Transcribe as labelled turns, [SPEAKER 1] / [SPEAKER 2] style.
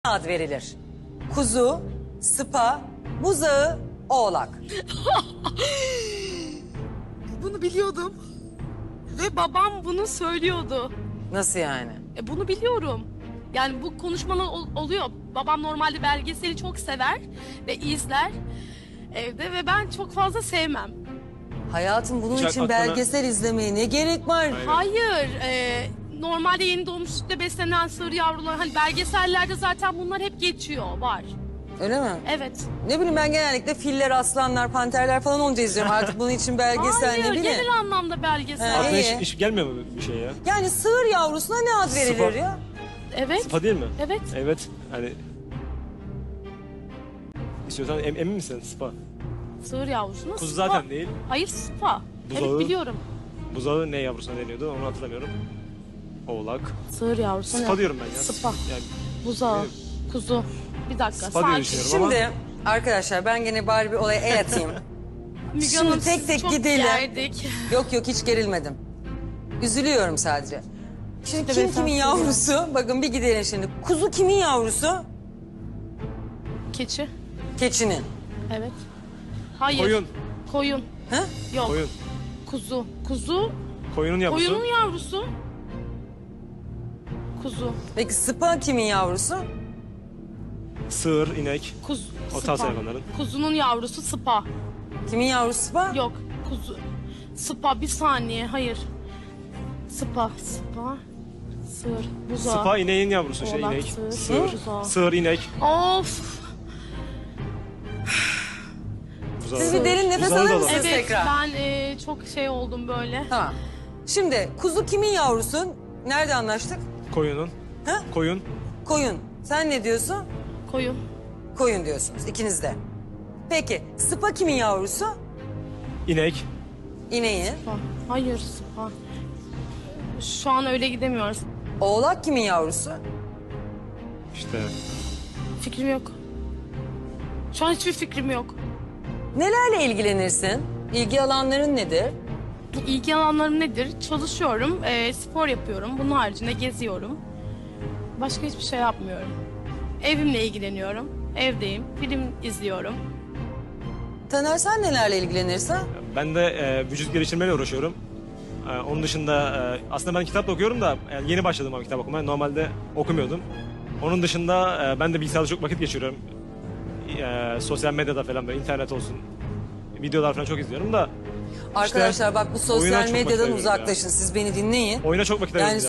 [SPEAKER 1] ad verilir? Kuzu, sıpa, buzağı, oğlak.
[SPEAKER 2] Bunu biliyordum. Ve babam bunu söylüyordu.
[SPEAKER 1] Nasıl yani?
[SPEAKER 2] Bunu biliyorum. Yani bu konuşmalar oluyor. Babam normalde belgeseli çok sever ve izler evde ve ben çok fazla sevmem.
[SPEAKER 1] Hayatım bunun
[SPEAKER 3] Hiç
[SPEAKER 1] için
[SPEAKER 3] aklına-
[SPEAKER 1] belgesel izlemeye ne gerek var?
[SPEAKER 2] Hayır, normalde yeni doğmuş sütle beslenen sığır yavrular, hani belgesellerde zaten bunlar hep geçiyor, var.
[SPEAKER 1] Öyle mi?
[SPEAKER 2] Evet.
[SPEAKER 1] Ne bileyim ben genellikle filler, aslanlar, panterler falan olunca izliyorum. Artık bunun için belgesel
[SPEAKER 2] Hayır,
[SPEAKER 1] ne bileyim.
[SPEAKER 2] genel anlamda belgesel.
[SPEAKER 1] Ha,
[SPEAKER 3] Aklına
[SPEAKER 1] iyi.
[SPEAKER 3] hiç gelmiyor mu bir şey ya?
[SPEAKER 1] Yani sığır yavrusuna ne ad verilir
[SPEAKER 3] Sıpa.
[SPEAKER 1] ya?
[SPEAKER 2] Evet.
[SPEAKER 3] Sıpa değil mi?
[SPEAKER 2] Evet.
[SPEAKER 3] Evet. Hani... İstiyorsan emin misin Sıpa?
[SPEAKER 2] Sığır yavrusuna
[SPEAKER 3] Kuzu
[SPEAKER 2] sıpa.
[SPEAKER 3] zaten değil.
[SPEAKER 2] Hayır, sıpa.
[SPEAKER 3] Buzağı.
[SPEAKER 2] Evet, biliyorum.
[SPEAKER 3] Buzağı ne yavrusuna deniyordu onu hatırlamıyorum. Oğlak.
[SPEAKER 2] Sığır yavrusuna.
[SPEAKER 3] Sıpa diyorum ben ya.
[SPEAKER 2] Sıpa.
[SPEAKER 3] Yani
[SPEAKER 2] Buzağı,
[SPEAKER 3] Evet.
[SPEAKER 2] kuzu. Bir dakika,
[SPEAKER 3] Sıpa diye
[SPEAKER 2] sakin.
[SPEAKER 3] düşünüyorum ama...
[SPEAKER 1] Şimdi arkadaşlar ben gene bari bir olaya el atayım.
[SPEAKER 2] Müge
[SPEAKER 1] Şimdi
[SPEAKER 2] Hanım,
[SPEAKER 1] tek
[SPEAKER 2] sizi
[SPEAKER 1] tek
[SPEAKER 2] çok
[SPEAKER 1] gidelim.
[SPEAKER 2] gerdik.
[SPEAKER 1] Yok hiç gerilmedim. Üzülüyorum sadece. Şimdi
[SPEAKER 2] İşte
[SPEAKER 1] kim
[SPEAKER 2] beyefendi
[SPEAKER 1] kimin yavrusu? Bakın bir gidelim şimdi. Kuzu kimin yavrusu?
[SPEAKER 2] Keçi.
[SPEAKER 1] Keçinin.
[SPEAKER 2] Evet. Hayır.
[SPEAKER 3] Koyun.
[SPEAKER 2] Koyun.
[SPEAKER 1] Ha?
[SPEAKER 2] Yok.
[SPEAKER 3] Koyun.
[SPEAKER 2] Kuzu. Kuzu.
[SPEAKER 3] Koyunun yavrusu.
[SPEAKER 2] Koyunun yavrusu. Kuzu.
[SPEAKER 1] Peki sıpa kimin yavrusu?
[SPEAKER 3] Sığır, inek.
[SPEAKER 2] Kuzu.
[SPEAKER 3] O tarz hayvanların.
[SPEAKER 2] Kuzunun yavrusu sıpa.
[SPEAKER 1] Kimin yavrusu sıpa?
[SPEAKER 2] Yok. Kuzu. Sıpa, bir saniye. Hayır. Sıpa. Sıpa. Sığır. Buzağı.
[SPEAKER 3] Sıpa ineğin yavrusu işte
[SPEAKER 2] Oğlak,
[SPEAKER 3] inek.
[SPEAKER 2] sığır,
[SPEAKER 3] Sığır.
[SPEAKER 2] buzağı.
[SPEAKER 3] Sığır, inek.
[SPEAKER 2] Of.
[SPEAKER 3] Buzağı.
[SPEAKER 1] Siz bir derin nefes
[SPEAKER 3] Buzağı da
[SPEAKER 1] alır
[SPEAKER 3] var.
[SPEAKER 1] mısınız
[SPEAKER 2] Evet,
[SPEAKER 1] tekrar?
[SPEAKER 2] ben çok şey oldum böyle.
[SPEAKER 1] Tamam. Şimdi kuzu kimin yavrusu? Nerede anlaştık?
[SPEAKER 3] Koyunun.
[SPEAKER 1] Ha?
[SPEAKER 3] Koyun.
[SPEAKER 1] Koyun. Sen ne diyorsun?
[SPEAKER 2] Koyun.
[SPEAKER 1] Koyun diyorsunuz ikiniz de. Peki sıpa kimin yavrusu?
[SPEAKER 3] İnek.
[SPEAKER 1] İneğin.
[SPEAKER 2] Sıpa. Hayır, sıpa. Şu an öyle gidemiyoruz.
[SPEAKER 1] Oğlak kimin yavrusu?
[SPEAKER 3] İşte
[SPEAKER 2] Fikrim yok. Şu an hiçbir fikrim yok.
[SPEAKER 1] Nelerle ilgilenirsin? İlgi alanların nedir?
[SPEAKER 2] İlgi alanlarım nedir? Çalışıyorum, spor yapıyorum. Bunun haricinde geziyorum. Başka hiçbir şey yapmıyorum. Evimle ilgileniyorum. Evdeyim, film izliyorum.
[SPEAKER 1] Taner sen nelerle ilgilenirsin?
[SPEAKER 3] ben de vücut geliştirmeyle uğraşıyorum. Onun dışında aslında ben kitap da okuyorum da yani yeni başladım ama kitap okumaya. Normalde okumuyordum. Onun dışında ben de bilgisayarda çok vakit geçiriyorum. Sosyal medyada falan böyle internet olsun. Videolar falan çok izliyorum da
[SPEAKER 1] Arkadaşlar bak bu
[SPEAKER 3] oyuna
[SPEAKER 1] sosyal
[SPEAKER 3] çok
[SPEAKER 1] medyadan
[SPEAKER 3] vakit ayırıyorum ya.
[SPEAKER 1] uzaklaşın. Siz beni dinleyin.
[SPEAKER 3] oyuna çok vakit ayırıyorum.
[SPEAKER 1] Yani